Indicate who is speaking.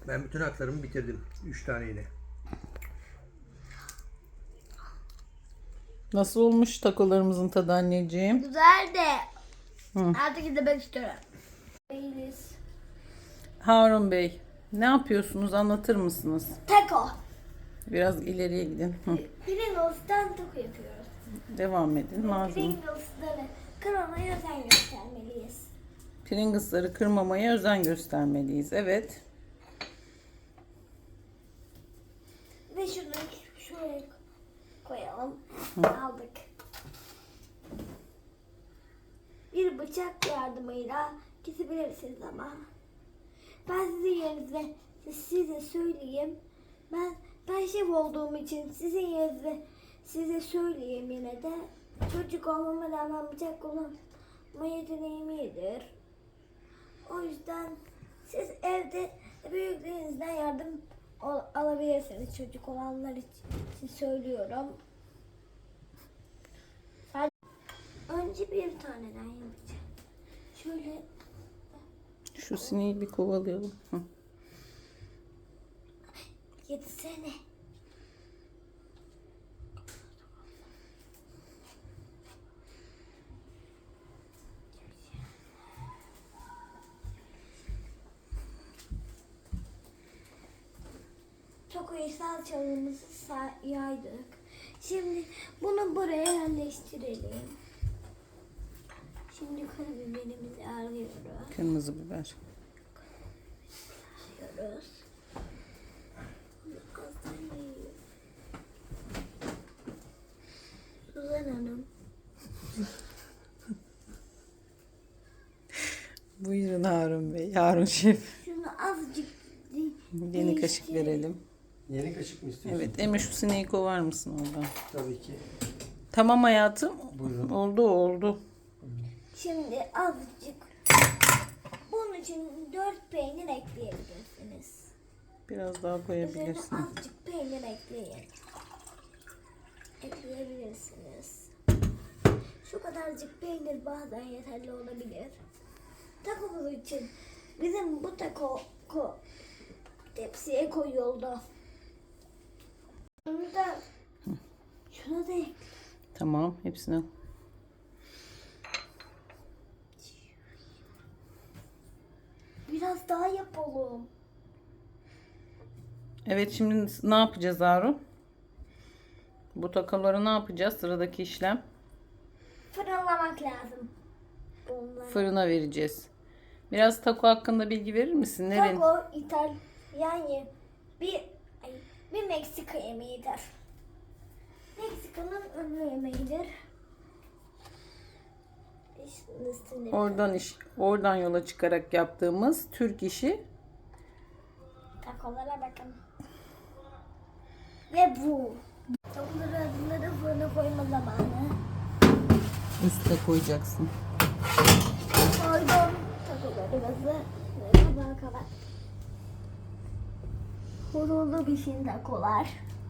Speaker 1: Ben bütün haklarımı bitirdim. 3 taneyle.
Speaker 2: Nasıl olmuş takolarımızın tadı anneciğim?
Speaker 3: Güzel de.
Speaker 2: Hı.
Speaker 3: Artık gitmek istiyorum. Değiliz.
Speaker 2: Harun Bey, ne yapıyorsunuz? Anlatır mısınız?
Speaker 3: Taco.
Speaker 2: Biraz ileriye gidin. Hı.
Speaker 3: Pringles'tan taco yapıyoruz.
Speaker 2: Devam edin. Malzeme.
Speaker 3: Pringles'ları kırmamaya özen göstermeliyiz.
Speaker 2: Pringles'ları kırmamaya özen göstermeliyiz. Evet.
Speaker 3: Ve şunu şuraya koyalım. Aldık. Bir bıçak yardımıyla kesebilirsiniz ama. Ben sizin yerinizde size söyleyeyim. Ben şef olduğum için sizin yerinizde size söyleyeyim yine de. Çocuk olmama rağmen bıçak kullanma yeteneğim iyidir. O yüzden siz evde büyüklerinizden yardım alabilirsiniz. Çocuk olanlar için söylüyorum. Önce bir taneden yapacağım. Şöyle
Speaker 2: Şu sineği bir kovalayalım. Hı.
Speaker 3: yetsene. Takoyu salçalığımızı yaydık. Şimdi bunu buraya yerleştirelim. Şimdi karabiberimizi alıyoruz.
Speaker 2: Kırmızı biber.
Speaker 3: Alıyoruz. Azdan yiyoruz. Suzan Hanım.
Speaker 2: Buyurun Harun Bey. Harun Şef.
Speaker 3: Şunu azıcık
Speaker 2: Yeni kaşık verelim.
Speaker 1: Yeni kaşık mı istiyorsun?
Speaker 2: Evet. Emre şu sineği kovar mısın oradan?
Speaker 1: Tabii ki.
Speaker 2: Tamam hayatım.
Speaker 1: Buyurun.
Speaker 2: Oldu.
Speaker 3: Şimdi azıcık. Bunun için 4 peynir ekleyebilirsiniz.
Speaker 2: Biraz daha
Speaker 3: Üzerine
Speaker 2: koyabilirsin.
Speaker 3: azıcık peynir ekleyebilirsiniz. Şu kadarcık peynir bazen yeterli olabilir. Takomuz için bizim bu taco tepsiye koyuldu. Şunu da ekle.
Speaker 2: Tamam. Hepsini.
Speaker 3: Biraz daha yapalım.
Speaker 2: Evet, şimdi ne yapacağız Harun? Bu takoları ne yapacağız? Sıradaki işlem.
Speaker 3: Fırınlamak lazım. Bunları.
Speaker 2: Fırına vereceğiz. Biraz taco hakkında bilgi verir misin? Nerenin?
Speaker 3: Taco bir Meksika yemeğidir. Meksika'nın ünlü yemeğidir.
Speaker 2: Oradan yola çıkarak yaptığımız Türk işi.
Speaker 3: Takolara bakın. Ve bu. Takoları fırına koyma zamanı.
Speaker 2: Üste koyacaksın.
Speaker 3: Koydum. Takolarımızı kabağa kabar. Horulu pişin takolar.